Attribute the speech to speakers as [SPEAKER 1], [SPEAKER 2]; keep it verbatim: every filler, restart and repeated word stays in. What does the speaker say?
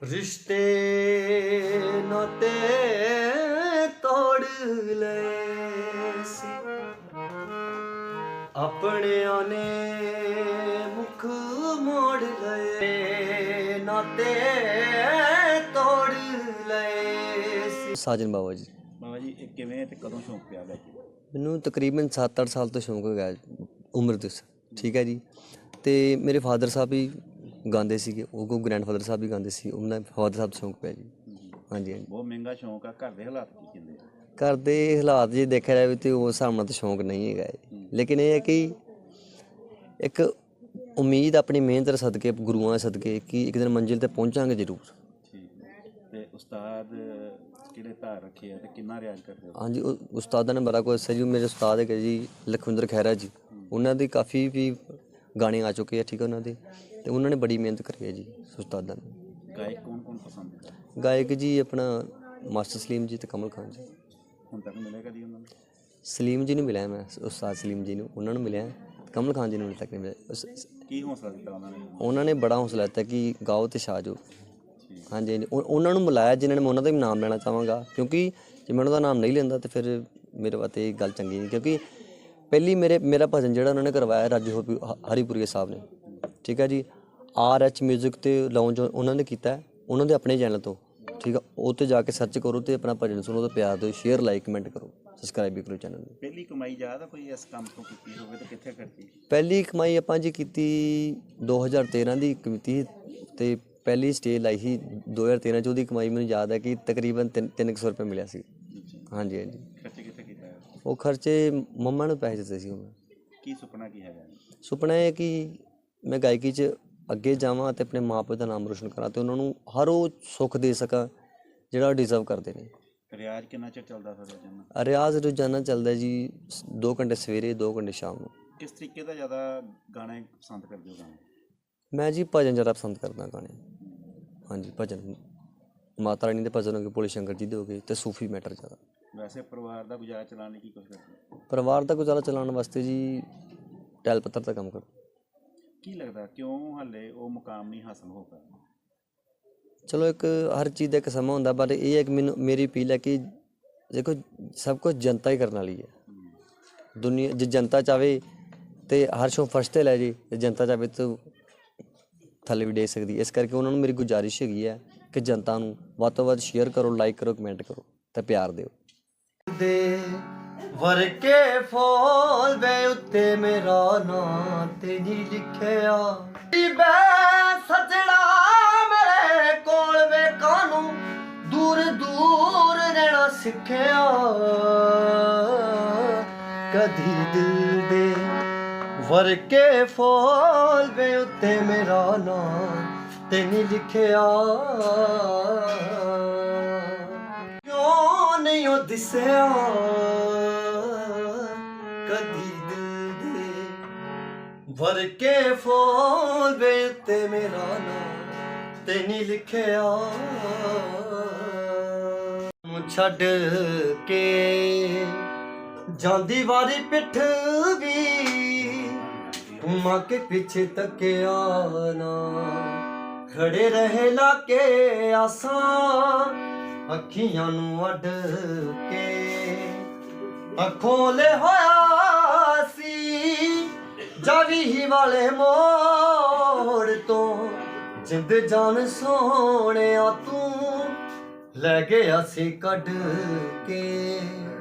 [SPEAKER 1] रिश्ते नाते तोड़ लए सी अपनियां ने मुख मोड़ लए नाते तोड़ लए सी। साजन बाबा जी
[SPEAKER 2] ਬਾਬਾ ਜੀ ਇਹ ਕਿਵੇਂ ਤੇ ਕਦੋਂ ਸ਼ੌਂਕ ਪਿਆ ਗਾਇਕੀ ਦਾ?
[SPEAKER 1] ਮੈਨੂੰ ਤਕਰੀਬਨ ਸੱਤ ਅੱਠ ਸਾਲ ਤੋਂ ਸ਼ੌਂਕ ਹੋ ਗਿਆ ਉਮਰ ਦੇ, ਠੀਕ ਹੈ ਜੀ। ਅਤੇ ਮੇਰੇ ਫਾਦਰ ਸਾਹਿਬ ਵੀ ਗਾਉਂਦੇ ਸੀਗੇ, ਉਹ ਕੋ ਗ੍ਰੈਂਡਫਾਦਰ ਸਾਹਿਬ ਵੀ ਗਾਉਂਦੇ ਸੀ, ਉਹਨਾਂ ਫਾਦਰ ਸਾਹਿਬ ਤੋਂ ਸ਼ੌਂਕ ਪਿਆ ਜੀ। ਹਾਂਜੀ ਹਾਂਜੀ
[SPEAKER 2] ਬਹੁਤ ਮਹਿੰਗਾ ਸ਼ੌਂਕ ਆ। ਘਰ ਦੇ ਹਾਲਾਤ ਕੀ ਕਹਿੰਦੇ ਆ?
[SPEAKER 1] ਘਰ ਦੇ ਹਾਲਾਤ ਜੇ ਦੇਖਿਆ ਜਾਵੇ ਤਾਂ ਉਸ ਹਿਸਾਬ ਨਾਲ ਤਾਂ ਸ਼ੌਂਕ ਨਹੀਂ ਹੈਗਾ ਹੈ, ਲੇਕਿਨ ਇਹ ਹੈ ਕਿ ਇੱਕ ਉਮੀਦ ਆਪਣੀ ਮਿਹਨਤ ਦੇ ਸਦਕੇ, ਗੁਰੂਆਂ ਦੇ ਸਦਕੇ, ਕਿ ਇੱਕ ਦਿਨ ਮੰਜ਼ਿਲ 'ਤੇ ਪਹੁੰਚਾਂਗੇ ਜ਼ਰੂਰ।
[SPEAKER 2] ਠੀਕ ਹੈ। ਅਤੇ ਉਸਤਾਦ ਕਿਹੜੇ ਧਾਰ ਰੱਖੇ ਆ ਅਤੇ ਕਿੰਨਾ ਰਿਆਜ਼ ਕਰਦੇ ਹੋ?
[SPEAKER 1] ਹਾਂਜੀ, ਉਹ ਉਸਤਾਦਾਂ ਨੇ ਬੜਾ ਕੁਝ ਦੱਸਿਆ ਜੀ। ਮੇਰੇ ਉਸਤਾਦ ਹੈਗੇ ਜੀ ਲਖਵਿੰਦਰ ਖਹਿਰਾ ਜੀ, ਉਹਨਾਂ ਦੀ ਕਾਫੀ ਵੀ ਗਾਣੇ ਆ ਚੁੱਕੇ ਆ, ਠੀਕ ਹੈ ਉਹਨਾਂ ਦੇ, ਅਤੇ ਉਹਨਾਂ ਨੇ ਬੜੀ ਮਿਹਨਤ ਕਰੀ ਹੈ ਜੀ ਉਸਤਾਦਾਂ ਨੇ।
[SPEAKER 2] ਗਾਇਕ ਕੌਣ ਕੌਣ ਪਸੰਦ ਹੈ?
[SPEAKER 1] ਗਾਇਕ ਜੀ ਆਪਣਾ ਮਾਸਟਰ ਸਲੀਮ ਜੀ ਅਤੇ ਕਮਲ ਖਾਨ ਜੀ।
[SPEAKER 2] ਹੁਣ ਤੱਕ ਮਿਲਿਆ ਕਦੀ ਉਹਨਾਂ ਨੂੰ?
[SPEAKER 1] ਸਲੀਮ ਜੀ ਨੂੰ ਮਿਲਿਆ ਮੈਂ, ਉਸਤਾਦ ਸਲੀਮ ਜੀ ਨੂੰ, ਉਹਨਾਂ ਨੂੰ ਮਿਲਿਆ। ਕਮਲ ਖਾਨ ਜੀ ਨੂੰ ਮਿਲ ਤੱਕ ਨਹੀਂ ਮਿਲਿਆ। ਉਸ-
[SPEAKER 2] ਕੀ ਹੌਸਲਾ ਦਿੱਤਾ ਉਹਨਾਂ ਨੇ?
[SPEAKER 1] ਉਹਨਾਂ ਨੇ ਬੜਾ ਹੌਸਲਾ ਦਿੱਤਾ ਕਿ ਗਾਓ ਅਤੇ ਛਾ ਜਾਓ। ਹਾਂਜੀ ਹਾਂਜੀ, ਉਹ- ਉਹਨਾਂ ਨੂੰ ਬੁਲਾਇਆ ਜਿਨ੍ਹਾਂ ਨੇ, ਮੈਂ ਉਹਨਾਂ ਦਾ ਵੀ ਨਾਮ ਲੈਣਾ ਚਾਹਾਂਗਾ, ਕਿਉਂਕਿ ਜੇ ਮੈਂ ਉਹਨਾਂ ਦਾ ਨਾਮ ਨਹੀਂ ਲੈਂਦਾ ਤਾਂ ਫਿਰ ਮੇਰੇ ਵਾਸਤੇ ਇਹ ਗੱਲ ਚੰਗੀ ਨਹੀਂ। ਕਿਉਂਕਿ ਪਹਿਲੀ ਮੇਰੇ ਮੇਰਾ ਭਜਨ ਜਿਹੜਾ ਉਹਨਾਂ ਨੇ ਕਰਵਾਇਆ ਰਾਜੂ ਹੋਪੀ ਹਰੀਪੁਰੀਆ ਸਾਹਿਬ ਨੇ, ਠੀਕ ਹੈ ਜੀ। ਆਰ ਐਚ ਮਿਊਜ਼ਿਕ 'ਤੇ ਲਾਉਂਚ ਉਹਨਾਂ ਨੇ ਕੀਤਾ, ਉਹਨਾਂ ਦੇ ਆਪਣੇ ਚੈਨਲ ਤੋਂ, ਠੀਕ ਆ। ਉਹ 'ਤੇ ਜਾ ਕੇ ਸਰਚ ਕਰੋ ਅਤੇ ਆਪਣਾ ਭਜਨ ਸੁਣੋ, ਅਤੇ ਪਿਆਰ ਦਿਓ, ਸ਼ੇਅਰ ਲਾਈਕ ਕਮੈਂਟ ਕਰੋ, ਸਬਸਕ੍ਰਾਈਬ ਵੀ ਕਰੋ ਚੈਨਲ ਨੂੰ।
[SPEAKER 2] ਪਹਿਲੀ ਕਮਾਈ ਯਾਦ ਆ ਕੋਈ ਇਸ ਕੰਮ ਤੋਂ ਕੀਤੀ ਹੋਵੇ ਤਾਂ ਕਿੱਥੇ ਖਰਚੀ?
[SPEAKER 1] ਪਹਿਲੀ ਕਮਾਈ ਆਪਾਂ ਜੀ ਕੀਤੀ ਦੋ ਹਜ਼ਾਰ ਤੇਰ੍ਹਾਂ ਦੀ ਕੀਤੀ, ਅਤੇ ਪਹਿਲੀ ਸਟੇਜ ਲਾਈ ਸੀ ਦੋ ਹਜ਼ਾਰ ਤੇਰ੍ਹਾਂ 'ਚ। ਉਹਦੀ ਕਮਾਈ ਮੈਨੂੰ ਯਾਦ ਹੈ ਕਿ ਤਕਰੀਬਨ ਤਿੰਨ ਤਿੰਨ ਕੁ ਸੌ ਰੁਪਏ ਮਿਲਿਆ ਸੀ। ਹਾਂਜੀ ਹਾਂਜੀ।
[SPEAKER 2] ਖਰਚੇ ਕਿੱਥੇ ਕੀਤਾ ਹੈ?
[SPEAKER 1] ਉਹ ਖਰਚੇ ਮੰਮਾ ਨੂੰ ਪੈਸੇ ਦਿੱਤੇ ਸੀ ਉਹ।
[SPEAKER 2] ਕੀ ਸੁਪਨਾ ਕੀ ਹੈਗਾ?
[SPEAKER 1] ਸੁਪਨਾ ਹੈ ਕਿ ਮੈਂ ਗਾਇਕੀ 'ਚ ਅੱਗੇ ਜਾਵਾਂ ਅਤੇ ਆਪਣੇ ਮਾਂ ਪਿਓ ਦਾ ਨਾਮ ਰੋਸ਼ਨ ਕਰਾਂ, ਅਤੇ ਉਹਨਾਂ ਨੂੰ ਹਰ ਉਹ ਸੁੱਖ ਦੇ ਸਕਾਂ ਜਿਹੜਾ ਉਹ ਡਿਜ਼ਰਵ ਕਰਦੇ ਨੇ।
[SPEAKER 2] ਰਿਆਜ਼ ਕਿੰਨਾ ਚਿਰ ਚੱਲਦਾ ਫਿਰ ਰੋਜ਼ਾਨਾ?
[SPEAKER 1] ਰਿਆਜ਼ ਰੋਜ਼ਾਨਾ ਚੱਲਦਾ ਜੀ ਦੋ ਘੰਟੇ ਸਵੇਰੇ, ਦੋ ਘੰਟੇ ਸ਼ਾਮ ਨੂੰ।
[SPEAKER 2] ਕਿਸ ਤਰੀਕੇ ਦਾ ਜ਼ਿਆਦਾ ਗਾਣੇ ਪਸੰਦ ਕਰਦੇ ਹੋ? ਗਾਣੇ
[SPEAKER 1] ਮੈਂ ਜੀ ਭਜਨ ਜ਼ਿਆਦਾ ਪਸੰਦ ਕਰਦਾ ਗਾਣੇ। ਹਾਂਜੀ, ਭਜਨ ਮਾਤਾ ਰਾਣੀ ਦੇ ਭਜਨ ਹੋ ਗਏ, ਭੋਲੇ ਸ਼ੰਕਰ ਜੀ ਦੇ ਹੋ ਗਏ, ਅਤੇ ਸੂਫੀ ਮੈਟਰ ਜ਼ਿਆਦਾ।
[SPEAKER 2] ਵੈਸੇ ਪਰਿਵਾਰ ਦਾ ਗੁਜ਼ਾਰਾ ਚਲਾਉਣ ਲਈ ਕੀ ਕੁਛ ਕਰਦੇ?
[SPEAKER 1] ਪਰਿਵਾਰ ਦਾ ਗੁਜ਼ਾਰਾ ਚਲਾਉਣ ਵਾਸਤੇ ਜੀ ਟੈਲ ਪੱਤਰ ਦਾ ਕੰਮ ਕਰੋ।
[SPEAKER 2] ਕੀ ਲੱਗਦਾ ਕਿਉਂ ਹਾਲੇ ਉਹ ਮੁਕਾਮ ਨਹੀਂ ਹਾਸਲ ਹੋ ਪਾਇਆ?
[SPEAKER 1] ਚਲੋ ਇੱਕ ਹਰ ਚੀਜ਼ ਦਾ ਇੱਕ ਸਮਾਂ ਹੁੰਦਾ, ਪਰ ਇਹ ਹੈ ਕਿ ਮੈਨੂੰ ਮੇਰੀ ਅਪੀਲ ਹੈ ਕਿ ਦੇਖੋ ਸਭ ਕੁਝ ਜਨਤਾ ਹੀ ਕਰਨ ਵਾਲੀ ਹੈ। ਦੁਨੀਆ ਜੇ ਜਨਤਾ ਚਾਹੇ ਤਾਂ ਹਰ ਸ਼ੋਅ ਫਸਟ 'ਤੇ ਲੈ ਜੇ, ਅਤੇ ਜਨਤਾ ਚਾਹੇ ਤਾਂ ਥੱਲੇ ਵੀ ਦੇ ਸਕਦੀ। ਇਸ ਕਰਕੇ ਉਹਨਾਂ ਨੂੰ ਮੇਰੀ ਗੁਜ਼ਾਰਿਸ਼ ਹੈਗੀ ਹੈ ਕਿ ਜਨਤਾ ਨੂੰ ਵੱਧ ਤੋਂ ਵੱਧ ਸ਼ੇਅਰ ਕਰੋ, ਲਾਈਕ ਕਰੋ, ਕਮੈਂਟ ਕਰੋ ਅਤੇ ਪਿਆਰ ਦਿਓ। ਦੇ ਵਰਕੇ ਫੋਲ ਵੇ ਉੱਤੇ ਮੇਰਾ ਨਾਂ ਤੇ ਨਹੀਂ ਲਿਖਿਆ, ਬੈ ਸਜਣਾ ਮੇਰੇ ਕੋਲ ਵੇ ਕਾਨੂੰ ਦੂਰ ਦੂਰ ਰਹਿਣਾ ਸਿੱਖਿਆ। ਕਦੀ ਦਿਲ ਦੇ ਵਰਕੇ ਫੋਲ ਵੇ ਉੱਤੇ ਮੇਰਾ ਨਾਂ ਤੇ ਨਹੀਂ ਲਿਖਿਆ, ਕਿਉਂ ਨਹੀਂ ਉਹ ਦਿਸਿਆ ਕਦੀ ਦਿਲ ਦੇ ਵਰਕੇ ਫੋਲ ਵੇ ਉੱਤੇ ਮੇਰਾ ਨਾਂ ਤੇ ਨਹੀਂ ਲਿਖਿਆ। ਨੂੰ ਛੱਡ ਕੇ ਜਾਂਦੀ ਵਾਰੀ ਪਿੱਠ ਵੀ ਘੁਮਾ ਕੇ ਪਿੱਛੇ ਤੱਕਿਆ ਨਾ, ਖੜੇ ਰਹੇ ਲਾ ਕੇ ਆਸਾਂ ਅੱਖੀਆਂ ਨੂੰ ਅੱਡ ਕੇ। ਅੱਖੋਂ ਲੈ ਹੋਇਆ ਸੀ ਜਾਵੀ ਹੀ ਵਾਲੇ ਮੋੜ ਤੋਂ, ਜਿੰਦ ਜਾਨ ਸੋਹਣਿਆ ਤੂੰ ਲੈ ਗਿਆ ਸੀ ਕੱਢ ਕੇ।